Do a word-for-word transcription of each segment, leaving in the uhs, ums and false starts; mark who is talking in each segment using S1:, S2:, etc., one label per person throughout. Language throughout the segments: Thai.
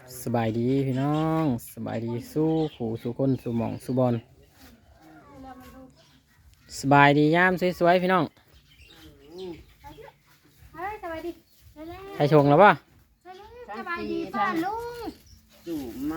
S1: สบายดีพี่น้องสบายดีสู้ขู่สู้คนสู้หมองสู้บอลสบายดียามสวยๆพี่น้อง
S2: เฮ้ยสบายดี
S1: ใครชงแล้วป่ะ
S2: สบายดีป้าลุง
S3: จู่มัน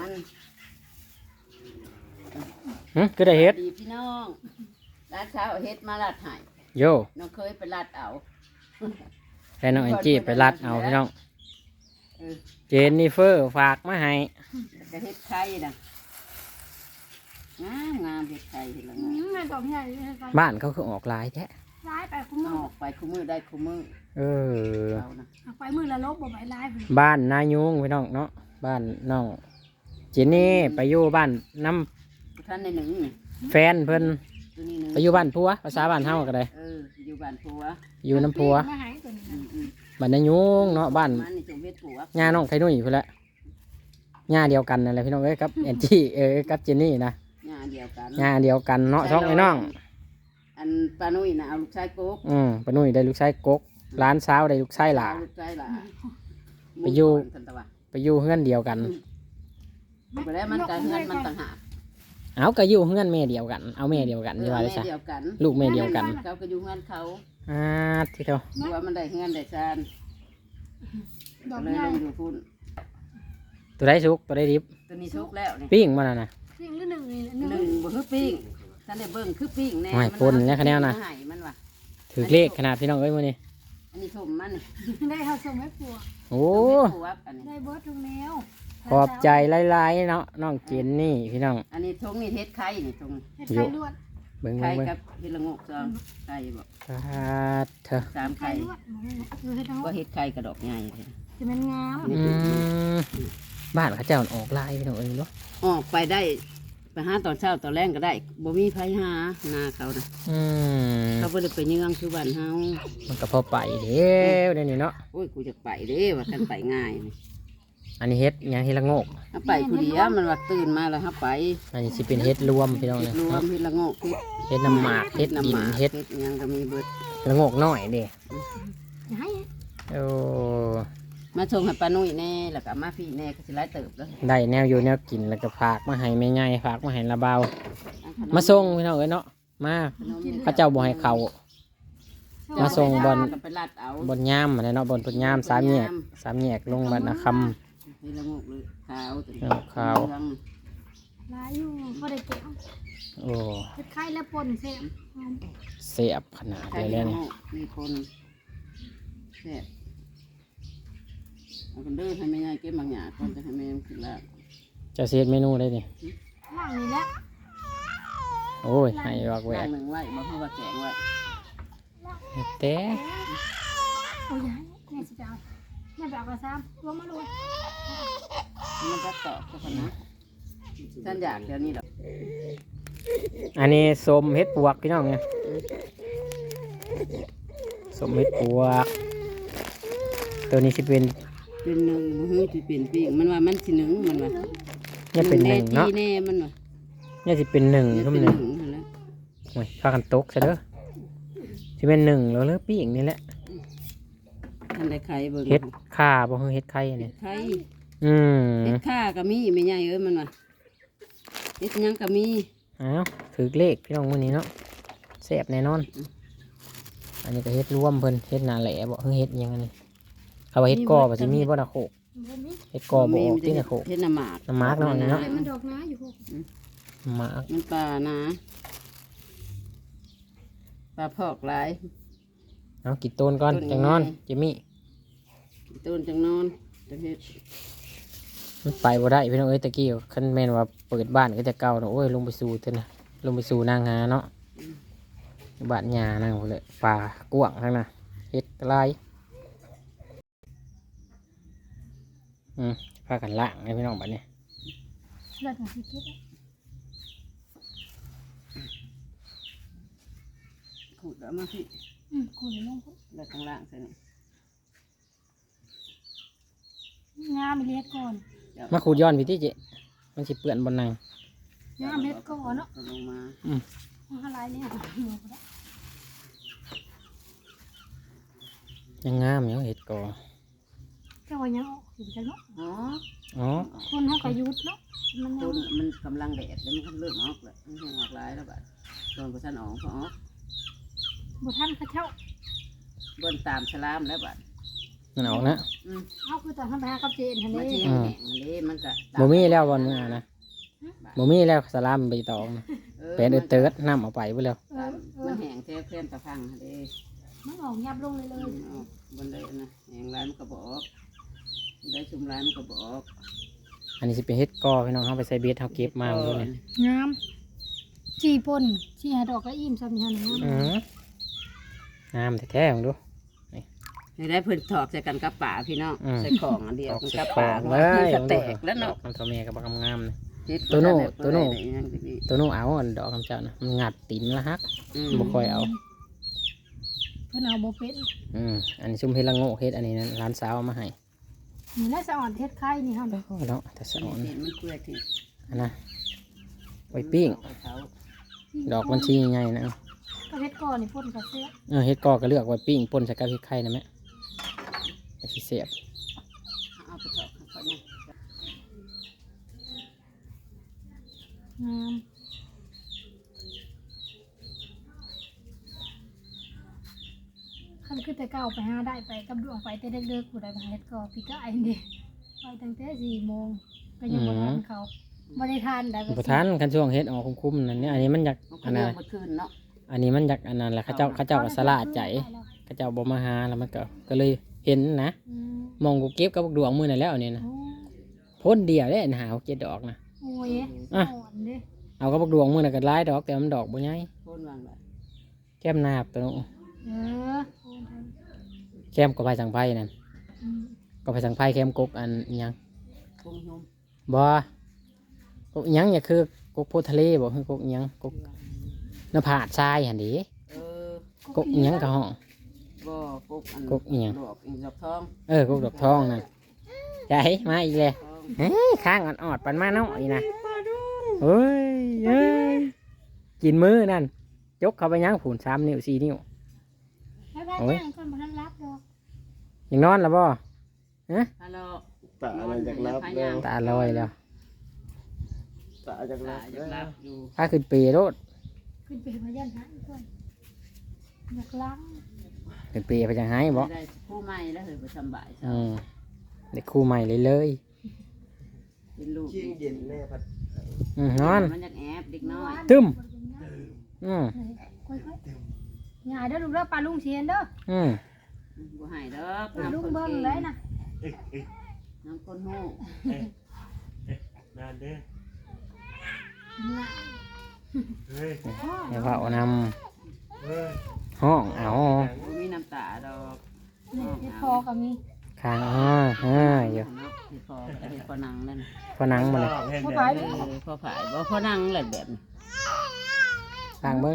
S1: หึก็ได้เฮ็ด
S3: ดีพี่น้องร้านเช้าเอาเฮ็ดมาลัดใหาย
S1: โย
S3: น้องเคยไปลัดเอา
S1: แต่น้องแอนจี้ไปรัดเอาพี่น้อง
S3: เออ
S1: เจนนิเฟอร์ฝากมาให้
S3: แล้วก็เฮ็ดไข่นะงามงามเฮ็ดไข่เห็นแล้ว
S2: อื
S3: งาม
S2: มมันต้องใหญ่เลย
S1: บ้านเขาคือออกหลายแท้
S2: ร้ายไปคุ้ม
S3: เอา
S2: มือ
S3: ออกไปคู่มือได้คู่มือ
S1: เออ
S3: เอานะ
S2: เอาไปมือละลบบ่ไปร้ายพุ่น
S1: บ้านนายุงพี่น้องเนาะบ้านน้องเจนนี่ไปอยู่บ้านน้
S3: ท่านในหนึ่งนี่
S1: ำแฟนเพิ่น
S3: ตัวนี้หนึ่ง
S1: ไปอยู่บ้านผัวภาษาบ้านเฮาก็ได้
S3: เอออยู่บ้านผัว
S1: อยู่น้ำผัว
S2: มาหายตัวนี้
S3: อืมอืม
S1: บ้านนายุงเนาะบ้าน
S3: มันนี่จงเฮ็ดผัว
S1: ญาน้องไข่นุ่ยพุ่นแหละญาเดียวกันนั่นแหละพี่น้องเอ้ยกับแอนจี้เออกับเจนนี่นะ
S3: งานเดียวกัน
S1: ญาเดียวกันเนาะช่องไอ้น้อง
S3: อันปานุ่ยนะเอาลูกชายโก๊ก
S1: อืมปานุ่ยได้ลูกชายกกร้านเช้าวได้ลูกชายหลา
S3: ลูกชายหล่ะ
S1: ไปอยู่
S3: หมู่ก่นกันตะวัน
S1: ไปอยู่เฮือนเดียวกัน
S3: ไปแล้วมันกันเงินมันต่างหาก
S1: เอาก็อยู่เฮือนแม่เดียวกันเอาแม่เดียวกันใช่ไหม
S3: แม่
S1: จ๊ะ
S3: เดียวกัน
S1: ลูกแม่เดียวกัน
S3: เขาก็อยู่เงินเขา
S1: อ่าที่เท่า
S3: เพราะว่ามันได้เงินได้ชาน
S2: ดอก
S3: ก็เลย
S2: ใหญ่
S3: ลงอยู่พุ่น
S1: ตัวได้สุกตัวได้ดิบ
S3: ตัวนี้ชุกแล้วนี่
S1: ปิ้งมาแล้วนะ
S2: สิ่งหรือหนึ่งนี่หนึ่ง
S3: หนึ่งบ่คือปิ้งท่านได้เบิ่งคือปิ้งแน่
S1: โอ้ย
S3: มั
S1: ปนเนี่ยคะแนนน่ะ
S3: มัให้มันว่ะ
S1: ถือเลขขนาดพี่น้องเอ้ยมื้อนี้
S3: อันนี้ทุ่มมันนี่
S2: ได้เขาส่งให้ผัว
S1: โอ้
S3: ผัวอันนี้
S2: ได้เบิร์ดทุกแนว
S1: ขอบใจหลายๆเนาะน้องเจนนี่พี่น้อง
S3: อันนี้ทงนี่เฮ็ดไข่นี่ทง
S2: เฮ็ดไข่ลวด
S1: เบิ่ง
S3: ไข่
S1: เบิ่งเบิ่ง
S3: กับเฮ็ดละโงกซองไข่บ่
S1: สาธุ
S3: สาม
S2: ไข่
S3: ไข่
S2: ลวดคือเฮ็ดทั้งหม
S3: บ่
S2: ด
S3: เฮ็ดไข่กระดอกใหญ่เลย
S2: จะเป็นงาม
S1: อืมบ้านเขาเจ้าออกลายพี่น้องเอ้ยเนาะ
S3: ออกไปได้ไปหาตอนเช้าตอนแรงก็ได้บ่มีไผหาหน้าเขานะ
S1: อืม
S3: เขาบ่ได้ไปเยืองคือบ้านเฮา
S1: มันก็พอไปเด้อเดี๋ยวนี้เนาะ
S3: โอ้ยกูจะไปเด้ว่าท่านไปง่ายนี่
S1: อันนี้เฮ็ดหยังเฮ็ดละโงก
S3: ถ้าไปผู้เดียวมันว่าตื่นมาแล้วถ้าไป
S1: อันนี้สิเป็นเฮ็ดรวมพี่น้อง
S3: เฮ็
S1: เนี่
S3: ด
S1: ย
S3: รวมเฮ็ดละโงกเฮ็ด
S1: เฮ็ดน้ำหมากเฮ็ดดิน
S3: น้ำหมาก
S1: เฮ็ด
S3: เฮ็ดหยังก็มีเบิด
S1: ละโงกน้อยเด้
S2: อย่าให้
S1: โอ้
S3: มาส่งให้ป้านุ่ยแน่แล้วก็มาพี่แน่ก็สิหลายเติบแล้ว
S1: ได้แนวอยู่แนวกินแล้วก็ฝากมาให้แม่ใหญ่ฝากมาให้ละเบามาส่งพี่น้องเอ้ยเนาะมาพระเจ้าบ่ให้เข้า มาส่งบอล
S3: ก็ไปลัดเอา
S1: บนย่ามอะไรเนาะบนต้นย่ามสามแยกสามแยกลงบ้านนาค
S3: เฮ็ดละโงกเลยขาวตัวนี้
S1: เอาขาว
S3: เหลือง
S2: ร้ายอยู่พอได้แก้ว
S1: ำโอ้
S2: เฮ็ดไข่และปนเสียหอม
S1: เสียบขนาด
S3: ใคร
S1: เลย
S3: เฮ็
S1: แล้ว
S3: ดละ
S1: เนี่ย
S3: โงกมีคนแซ่บเอาคนเด้อให้แม่ยายเก็บบางอย่างก่อนจะให้แม่มันกินละ
S1: จะเสียเมนูได้ดิ
S2: ว่างนี่แหละ
S1: โอ้ยให้วักแหว
S3: ย่าก งหนึ่งไว้บ่ให้ว่าแกงไว้
S1: แต่
S2: โอ้ยอย่าให้แม่สิไปเอาแม่ไปเอากระซ้ำลงมาเลย
S3: มันจะตอกก็คนนะท่านอยากเดี๋ยวนี้ดอก
S1: อันนี้สมเฮ็ดปวกพี่น้องเนี่ยสมเฮ็ดปวก ตัวนี้สิเป็น
S3: เป็นหนึ่งบ่ฮู้สิเป็นปิ้งมันว่ามันสิหนึ่งมันว่า
S1: เนี่ยเป็นหนึ่งเนาะ
S3: แแน่มันว่า
S1: เนี่ยสิเป็นหนึ่ง
S3: เนี่ย
S1: ทุ่ม
S3: เป็น
S1: ห
S3: ห
S1: นึ่
S3: นึ่
S1: ง
S3: งนั่นแหละ
S1: โอ้ยพากันตกซะเด้อสิเป็นหนึ่งแล้วเลือปีกนี่แหละ
S3: ท่านได้ไข่เบิ่ง
S1: เฮ็ดข่าบ่คือเฮ็ดไข่เนี่ย
S3: ไข่
S1: อืม
S3: เฮ็ดข้าก็มีไม่ใหญ่เอ้ยมันว่าเฮ็ดหยังก็มี
S1: เอ้าวถือเลขพี่น้องมื้อนี้เนาะแซ่บแน่นอน อันนี้ก็เฮ็ดรวมเพิ่นเฮ็ดหนาแหล่บ่เพิ่งเฮ็ดหยังอันนี้เขาว่าเฮ็ดกอบ่สิมีบ่นะโคก
S2: บ่มี
S1: เฮ็ดกอบ่ออกที่นะโคก
S3: เฮ็ดน้ำหมาก
S1: น้ำหมากเนาะอันนี้เนาะ
S2: ไข่มันดอกน้าอยู่พวก
S1: หมาก
S3: มันปลานะปลาพอกหลาย
S1: เอากินต้นก่อน
S3: ต้น
S1: จังนอน
S3: ไง
S1: จิมมี่
S3: ต้นจังนอนจังเฮ็ด
S1: มันไปบ่ได้พี่น้องเอ้ยตะกี้คันแม่นว่าเปิดบ้านก็จะเก่าเนาะโอ้ยลงไปสู่เถอะนะลงไปสู่นางหาเนาะบ้านหญ้านางพุ่นแหละป่ากว้างทั้งน่ะเฮ็ดหลายอืมพากันล้างให้พี่น้องบัดนี้
S2: เลือดของสิเก็บ
S3: ขูดเอามาพี่
S2: อืมคุณลงพุ่น
S3: แล้วข้างล่างใส่นี่
S2: งามเฮ็ดก่อน
S3: เดี๋ยว
S1: มาขูดย้อนพี่ที่เจมันสิเปื้อนบนนาง
S2: งามเฮ็ดก่อนเนาะ
S3: เอาลงมา
S1: อืม
S2: มันหลายแล้ว
S1: ยังงามอยู่เฮ็ดกอ
S2: เจ้าว่ายังออกอยู่จังเนาะ
S3: อ๋อ
S1: อ๋อ
S2: คนเฮาก็หยุดเนาะมันยั
S3: ต้
S2: ง
S3: นมันกำลังแดดแล้วมันก็เริ่มออกแล้วมันแห้งออกหลายแล้วบัดตอนพอท่านออกพอออก
S2: บ่ทันเขาเจ้า
S3: เบิ้นตามสลามแล้วบัด
S1: มันออกนะ
S3: อืม
S2: เอาคือตอนทำไปหากับเจนหั่น
S3: มา
S2: เด้
S3: เที่ยงแห้งอันนี้มันก็ตา
S1: บ่มีแล้วบอลมึงอ่ะนะบ่มีแล้วสลามใบตองนะ
S3: ออ
S1: เป็นเออเติร์ดน้ำเอาไปไปแล้ว
S2: เออเอ
S3: มั
S2: อน
S3: แห้งแท้เพื่อนตะพังอันนี้
S2: มันออกยับลงเลยเลย
S3: มันออกบนได้นะแห้งหลายมันก็บอกได้ชุมหลายมันก็บอก
S1: อันนี้สิเป็นเฮ็ดกอพี่น้องเฮาไปใส่เบ็ดเฮาเก็บมาเลย
S2: งามจีป่นจีหาดอกก็อิ่มซ้ำนี่หั่นงาม
S1: อืมงามแท้ๆของดู
S3: ให้ได้เพิ่นถอกใส่กันกับป่าพี่น้อง
S1: อืม
S3: ใส่ของอันเดียว
S1: ออก
S3: กัน
S1: สิ
S3: กับ
S1: ขอ
S3: ป่าง
S1: เล
S3: มัน
S1: ย
S3: จะแตกแล้วเนาะ
S1: ดอกคำตัวเมียกับบักงามๆนะ
S3: เฮ็ด
S1: ตัวโน่
S3: แบบ
S1: ตัวโน่
S3: ได้อย่างนี้
S1: ตัวนู้นเอาอันดอกคำเจ้านะมันงัดติ่มละฮัก
S3: อืม
S1: บ่ค่อยเอา
S2: เพิ่นเอาบ่เป็น
S1: อืมอันนี้ซุ่มเฮ็ดละโง่เฮ็ดอันนี้นะร้านสาวเอามาให้
S2: นี่แหละสะอ่อนเฮ็ดไข่นี่หั่น
S1: โอ้เนาะแต่สะอ่อน
S3: เห็นมันเปื่อยที่
S1: อันนะไว้ปิ้ง
S3: เอาเขา
S1: ดอกมันชี้ใหญ่นะ
S2: ก็เฮ็ดก่อนนี่ป่นก็เสีย
S1: เออเฮ็ดกอก็เลือกไว้ปิ้งป่นใส่กับเฮ็ดไข่นะแม่ไอ้ที่เสียบ
S3: เอาไปถอกเขาเนี่ย
S2: งามคันคือแต่เก่าไปหาได้ไปกับดวงไปแต่เด็กๆผู้ใดไปหาเฮ็ดก่อพี่ก็ไอ้นี่ไปตั้งแต่สี่โมงก็ยังบ่ทันเขาบ่ได้ทานได้
S1: บ่ทันคันช่วงเฮ็ดออกคุ้มๆนั่นเนี่ยอันนี้มันอยาก
S3: มันก็
S1: อัน
S3: เลี้
S1: นั้
S3: ย
S1: น
S3: งมาคืนเนาะ
S1: อันนี้มันอยากอันนั้นแหละเขาเจ้าเขาเจ้าก็สลาดใจเขาเจ้าบ่มาหาแล้วมันก็ก็เลยเห็นนะ
S2: อืม
S1: มองกูเก็บกับบักดวงมื้อนั่นแล้วนี่นะ
S2: โอ้
S1: พ่นเดียวเด้หาเจ็ดดอกนะ
S2: โอ้ย
S1: อ่ะ
S2: อ่อนเด้
S1: เอากับบักดวงมื้อน่ะก็หลายดอกแต่มันดอกบ่ใหญ่
S3: โค่นวางแบบ
S1: แก้มนาบตัวนู้น
S2: เออ
S1: แก้มก็ไปสังไผนั่น
S2: อืม
S1: ก็ไปสังไผแก้มกกอันอิหยัง
S3: กุ้งยม
S1: บ่กกอิหยังอย่าคือกกโพธิ์ทะเลบ่คือกกอิหยังกกน้ำผาดทรายหั่นดิ
S3: เออก
S1: กอิหยังก็ห้อง
S3: บ่กกอัน
S1: กกอิหยัง
S3: ดอกอีดอกทอง
S1: เออกกดอกทองนั่นใหญ่มาอีกแล้ว
S3: ทอง
S1: เฮ้ยข้างอ่อนๆปันมาเนาะอีนะเฮ้ยเฮ้ยกินมือนั่นยกเข้าไปยังผูนสามนิ้วสี่นิ้ว
S2: ไปไป
S1: โอ้ย
S2: นั่งก่อนบ่ทันรับดอก
S1: ยังนอนแล้วบ่
S3: ฮัลโหล
S4: ตาอะไรจากรับแล้ว
S1: ตาลอยแล้ว
S4: ตาจาก
S3: ตา
S4: รับ
S3: จะ
S4: แล้
S3: รั
S4: ว
S3: บอยู่
S1: ถ้าขึ้นปีโรด
S2: ขึ้นไปพยันหันก่อนอยากล้าง
S1: ขึ้นปีไปจังไห้บ่
S3: ได้ผู้ใหม่แล้วเหรอไปสำบายเช้า
S1: อืมเด็กคู่ใหม่เลยเลย
S3: เป็นลูก
S4: เชียงเย็นแม่พัด
S1: อืมนอน
S3: มันอยากแอบเด็กน้อย
S1: ตึ้ม อืม
S2: ค่อยๆอย่าเด้อลูกเด้อปลาลุงเสียนเด้อ
S1: อืม
S3: บ่ให้ดอก
S2: ปลาลุง
S3: น้ำคน
S2: เบิ่ง
S3: เก่ง
S2: เลยนะ
S3: น้ำคนหู้
S4: นานเด้อ
S2: น่ะ
S4: เฮ้ย
S1: เดี๋ยวเอาน
S4: เฮ้ย
S1: ำห้องเอา
S3: บ่มีน้ำตาดอก
S2: นี่เฮ็ดพอก็มี
S1: ข้างอ้อเฮ้ยอยู่
S3: เนาะที่พอไอ้พอนังนั่น
S1: พอนังมาเลย
S4: เห็น
S2: เข้า
S4: แบ
S2: ไป
S4: บ
S3: เออพอผายบ่พอนังแหละแบบนี้
S1: ข้างเบิ้ง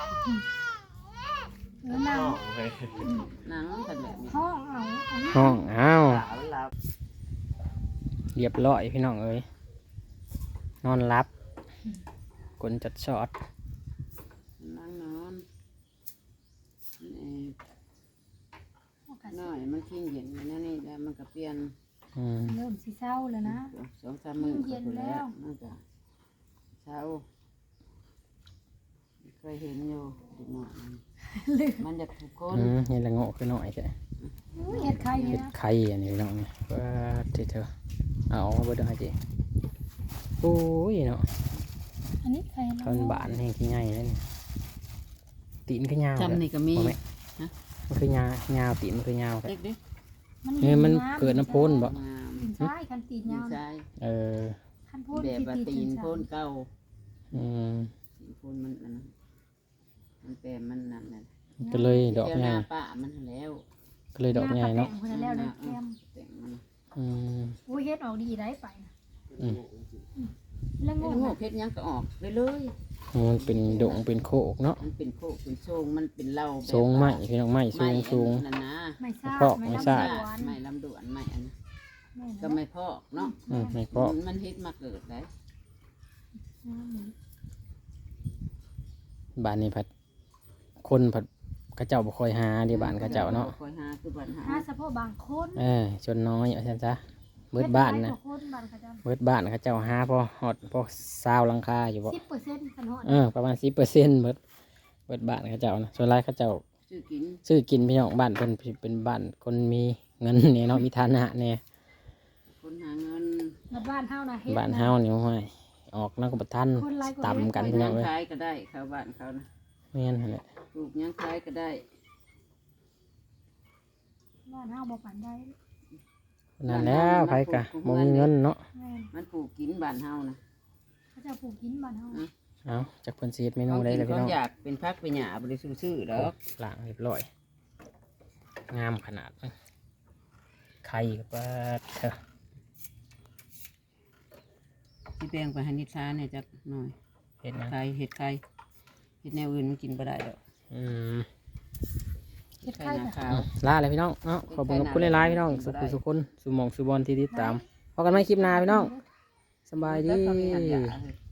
S2: เออนั่ง
S4: เฮ้ย
S3: นังกันแบบนี้
S2: ห้องเอาเอานี่
S1: ห้องเอา
S4: ตามันหลับ
S1: เรียบร้อยพี่น้องเอ้ยนอนรับกลนจัดชอด
S3: นั่งนอนนี่
S2: เอากะ
S3: น้อยมันทิ้งเย็นอยู่นั่นนี่แล้วมันก็เปลี่ยน
S1: อืม
S2: เริ่มสิเศร้าแล้วนะ
S3: สองสามมื้อ
S2: เย็นแล้ว
S3: มันก็เช้าเคยเห็นอยู่เด็กน้อยมัน
S2: ลืม
S3: มันจะถูกคน
S1: อืมนี่ละโง่คือหน่อยใช่
S2: อุ้ยเฮ็ดไข่นี่
S1: เห็ด
S2: นะ
S1: ไข่อันนี้พี่น้องนี่ว่าที่เธอเอาไปได้จีโอ้ยเนาะ
S2: อันนี้ไข่
S1: ตอนบานแห้งขี้ใหญ่เลยนี่ตีนคือยาว
S3: จำนี่ก็มี
S1: บ่แม่มันคือยาวยาวตีนมันคือยาวแต่
S3: เด็กดิ
S1: นี่มันเกิดน้ำพ่นบ่
S3: งาม
S2: ตีนซ้ายคันตีน
S3: ดี
S2: ยาว
S3: ใจ
S1: เออ
S2: คันพ่น
S3: แบบว่าตีน
S2: ซ้าย
S3: โพ่นเก่า
S1: อืม
S3: ตีนโพ่นมันอันนั้นมันแปลมันนั่นน่ะ
S1: ก็เลยดอก
S3: เที่ยว
S1: ให
S3: ห
S1: ญ่
S3: น้าป้ามันแล้ว
S1: ก็เลยดอกใหญ่เนาะ
S2: หคนละแล้วเลยแก้ม
S3: แต่งมัน
S1: อืม
S2: โอ้ยเฮ็ดออกดีได้ไปนะ
S1: อืม
S2: แล้ว
S3: ไอ้
S2: งง
S3: โง่
S2: นะ
S3: เพชรยังก็ออกไปเลย
S1: มันเป็นดงเป็นโคกเนาะ
S3: มันเป็นโคกเป็นโซงมันเป็นเหล้าแบบ
S1: สูงไม้พี่น้องไม้สูงสูง
S3: นั่นนะ
S2: ไม่ทราบ
S1: พอกไม่ทราบ
S2: ลำดวน
S3: ไม่ลำดวนไม่อันนั้น
S2: แม่
S3: ก็
S2: นะ
S3: ไม่พอกเนาะ
S1: อืมไม่พอ
S3: มันมันเฮ็ดมาเกิดได้
S2: อืม
S1: บ้านนี้ผัดคนผัดเขาเจ้าบ่ค่อยหาเดี๋ยวบ้านเขาเจ้าเนาะ
S3: คอยหาคือบ้านหา
S2: หาเฉพาะบางคน
S1: เออชนน้อยเอาซั่นซะเบิดบ้านนะ
S2: เฮ็ดหลยกว่าคนบ้านเขาเจ้า
S1: เบิดบ้านเขาเจ้าหาพอฮอดพอซาวหลังคาอยู่บ่
S2: สิบเปอร์เซ็นต์คันฮอด
S1: เออประมาณสิบเปอร์เซ็นต์เบิดเบิดบ้านเขาเจ้านะส่วนหลายเขาเจ้า
S3: ซื้อกิน
S1: ซื้อกินพี่น้องบ้านเพิ่นเป็นบ้านคนมีเงินเนี่ยเนาะมีฐานะเนี่ย
S3: คนหาเงิน
S2: แล้วบ้านเฮาน่ะเฮ็ด
S1: บ้านเฮานี่ห้วยออกนักบัทัน
S2: คนหลายกว่า
S1: ต่ำกัน
S3: ปลู
S1: พี่
S3: ก
S1: น้
S3: ยั
S1: อง
S3: ง
S1: เอ้ย
S3: ขายก็ได้เขาบ้านเขานะ
S1: แม่นหั่นแหละ
S3: ปลูกยังขายก็ได้
S2: บ้านเฮาบ่ปานใด
S1: นั่นแล้วไผกะบ่มีเงินเนาะ
S2: แม่น
S3: มันปลูกกินบ้านเฮานะ
S2: เขาเจะปลูกกินบ้านเฮา
S1: เอาจากเพิ่นสิเฮ็ดเมนู
S3: เขา
S1: ได้
S3: กิน
S1: แล้วพี่
S3: เขา
S1: น้อง
S3: อยากเป็นพักเป็นหญ้าบริสุทธิ์ซื่อดอก
S1: ล้างเรียบร้อยงามขนาดนั้นไข่ก็เปิดเถอะ
S3: ที่แปลงไปให้นิทานเนี่ยจักหน่อย
S1: เฮ็ดนะ
S3: ไข่เห็ดไข่เห็ดแนวอื่นมันกินบ่ได้ดอก
S1: อืม
S2: เฮ็ด
S3: ไข่
S2: ไข่
S3: หน้า
S2: ค่ะ
S3: ขาว
S1: ลาเลยพี่น้องเนาะขอบคุณขอบคุณหลายๆพี่น้องสุขุสุขคนสุหมองสุบอลที่ติดตามพบกันใหม่คลิปหน้าพี่น้องสบายดี
S3: แล้วก็มีอันหยา